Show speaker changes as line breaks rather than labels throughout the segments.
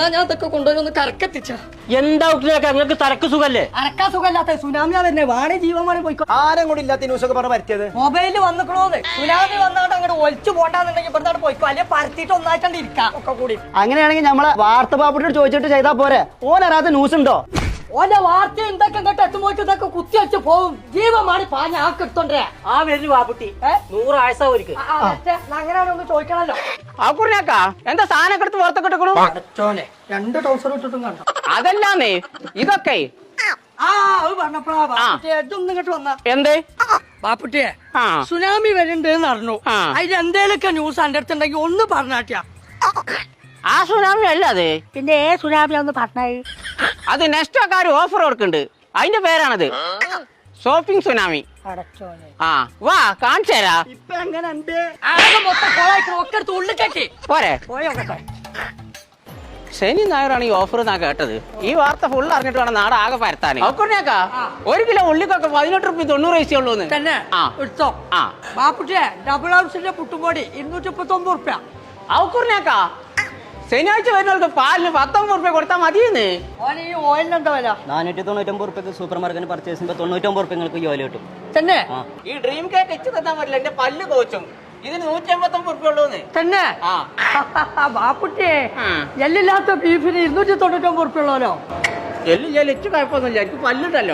എന്നാ ഞാൻ അതൊക്കെ കൊണ്ടുവന്ന് കറക്കെത്തിച്ച.
എന്താ നിങ്ങൾക്ക് തലക്ക് സുഖല്ലേ?
അരക്കാ സുഖമില്ലാത്ത സുനാമിയാ തന്നെ വാണി ജീവന്മാരെ പോയിക്കോ.
ആരും കൂടി ഇല്ലാത്ത ന്യൂസൊക്കെ പറഞ്ഞ് പറ്റിയത്
മൊബൈലിൽ വന്നിക്കണോന്ന്. സുനാമി വന്നാണ്ട് അങ്ങോട്ട് ഒലിച്ചു പോണ്ടാന്നുണ്ടെങ്കിൽ ഇവിടുന്ന് പോയിക്കോ, അല്ലെ പരത്തിട്ട് ഒന്നായിട്ടാണ്ട് ഇരിക്കാം ഒക്കെ കൂടി.
അങ്ങനെയാണെങ്കിൽ നമ്മളെ വാർത്ത പാപ്പിട്ട് ചോദിച്ചിട്ട് ചെയ്താ പോരെ? ഓനറിയാത്ത ന്യൂസ് ഉണ്ടോ?
ഓന്റെ വാർത്ത എന്തൊക്കെ ഇങ്ങോട്ട് എത്തുമ്പോഴേക്ക് ഇതൊക്കെ കുത്തി വെച്ച് പോകും. ജീവമാണ് പാഞ്ഞ ആക്കെടുത്തോണ്ടേ.
ആ വരുന്നു വാപ്പുട്ടി 100 ആയസ ഒരിക്കൽ
അങ്ങനെയാണൊന്ന് ചോദിക്കണല്ലോ.
ആക്കുറിയാക്കാ എന്താ സാധനം എടുത്ത് പുറത്തൊക്കെ ഇട്ടു?
അടച്ചോനെ 2 ടൗസർ ഇട്ടിട്ടും കണ്ടോ?
അതല്ലാന്നേ ഇതൊക്കെ
അത് പറഞ്ഞപ്പോഴാ ബാപ്പുട്ടിയെ ഇതൊന്നും ഇങ്ങോട്ട് വന്ന
എന്തേ
ബാപ്പുട്ടിയെ സുനാമി വരുന്നുണ്ടെന്ന് അറിഞ്ഞു. അതിൽ എന്തേലൊക്കെ ന്യൂസ് എന്റെ അടുത്തുണ്ടെങ്കിൽ ഒന്ന് പറഞ്ഞാട്ടിയാ.
ആ സുനാമി അല്ല അത്.
പിന്നെ സുനാമി ഒന്ന് പറഞ്ഞേ.
അത് നെക്സ്റ്റോക്കാർ ഓഫർ കൊടുക്കുന്നുണ്ട്, അതിന്റെ പേരാണത് ഷോപ്പിംഗ് സുനാമി.
അടച്ചോനെ
ആ വാ കാണിച്ചു തരാ.
ഇപ്പൊ എങ്ങനെയുണ്ട്? ആകെ മൊത്തം കൊളായിട്ട് ഒക്കെ എടുത്ത് ഉള്ളിൽ കെട്ടി
പോരെ.
പോയോട്ടെ.
ശനി ഞായറാണ് ഈ ഓഫർ എന്നാ കേട്ടത്. ഈ വാർത്ത ഫുൾ അറിഞ്ഞിട്ട് വേണം നാട് ആകെ പരത്താൻ. അക്കുറിയാക്കാ 1 കിലോ ഉള്ളിക്കൊക്കെ 18 റുപ്യ 90 പൈസ ഉള്ളൂ
തന്നെ. എടുത്തോ.
ആ
ബാപ്പുട്ടിയെ ഡബിൾ ഹൗസിന്റെ പുട്ടുംപൊടി 239 റുപ്യ.
ഔക്കുറിയാക്കാ ശനിയാഴ്ച വരുന്നവർക്ക് പാലിന് 19 റുപ്യ കൊടുത്താൽ മതിയെന്ന്.
ഓന് ഈ ഓയിലിന് എന്താ വില?
499 റുപ്യക്ക് സൂപ്പർ മാർക്കറ്റിൽ പർച്ചേസ് ചെയ്യുമ്പോൾ 99 റുപ്യ നിങ്ങൾക്ക് ജോലി കിട്ടും.
തന്നെ.
ഈ ഡ്രീം കേക്ക് എച്ച് തന്നാൻ പറ്റില്ല, എന്റെ പല്ല് കോച്ചും. ഇതിന് 189 റുപ്യ ഉള്ളൂന്ന്.
തന്നെ. ബാപ്പുട്ടിയെ എല്ലില്ലാത്ത ബീഫിന് 299 റുപ്യ ഉള്ളല്ലോ.
എല്ലാം എച്ച് കുഴപ്പമൊന്നുമില്ല, എനിക്ക് പല്ലുണ്ടല്ലോ.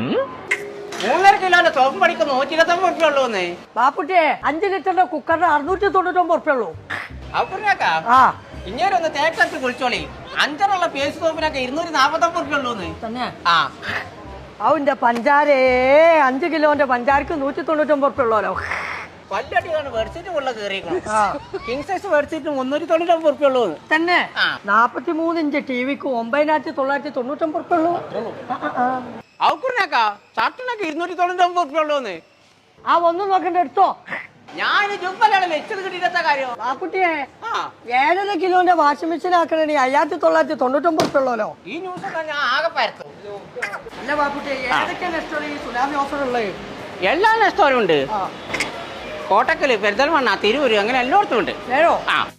3.5 കിലോന്റെ സോപ്പ് പണിക്ക് 129 റുപ്യ ഉള്ളൂന്ന്.
ബാപ്പുട്ടിയെ 5 ലിറ്ററിന്റെ കുക്കറിന് 699 റുപ്യ ഉള്ളൂ.
ഔക്കുറിയാക്കാ ഇങ്ങനെ ഒന്ന് തേക്കത്ത് കുളിച്ചോളി. 5 പേസ്റ്റ് സോപ്പിനൊക്കെ 249 റുപ്യ ഉള്ളൂന്ന്.
തന്നെ.
ആ
അവന്റെ പഞ്ചാരേ 5 കിലോന്റെ പഞ്ചാരക്ക് 199 റുപ്യ ഉള്ളല്ലോ.
പല്ലടിയാണ് ബെഡ്ഷീറ്റ് ഉള്ള കയറിയിരിക്കണം. കിങ് സൈസ് ബെഡ്ഷീറ്റ് 399 റുപ്യ ഉള്ളൂ.
തന്നെ. 43 ഇഞ്ച് ടിവിക്ക് 9999 റുപ്യ ഉള്ളൂ.
ഔക്കുറിനാക്കാ ഷർട്ടിനൊക്കെ 299 റുപ്യ ഉള്ളൂന്ന്.
ആ ഒന്നും നോക്കണ്ട, എടുത്തോ.
ഞാൻ ജുമ്പലാണ് വെച്ചത് കിട്ടിയിട്ട കാര്യം.
ബാപ്പുട്ടിയെ 7.5 കിലോന്റെ വാഷിംഗ് മെഷീൻ ആക്കണേ 5999 റുപ്യ ഉള്ളല്ലോ.
ഈ ന്യൂസ് ഞാൻ ആകെ പരത്തും.
അല്ല ബാപ്പുട്ടിയെ ഏതൊക്കെ നെസ്റ്റോൾ ഈ സുനാമി ഓഫർ ഉള്ളത്?
എല്ലാ നെസ്റ്റോറും ഉണ്ട്. കോട്ടക്കല്, പെരിന്തൽമണ്ണ, തിരൂര്, അങ്ങനെ എല്ലായിടത്തും ഉണ്ട്.
നേരോ?
ആ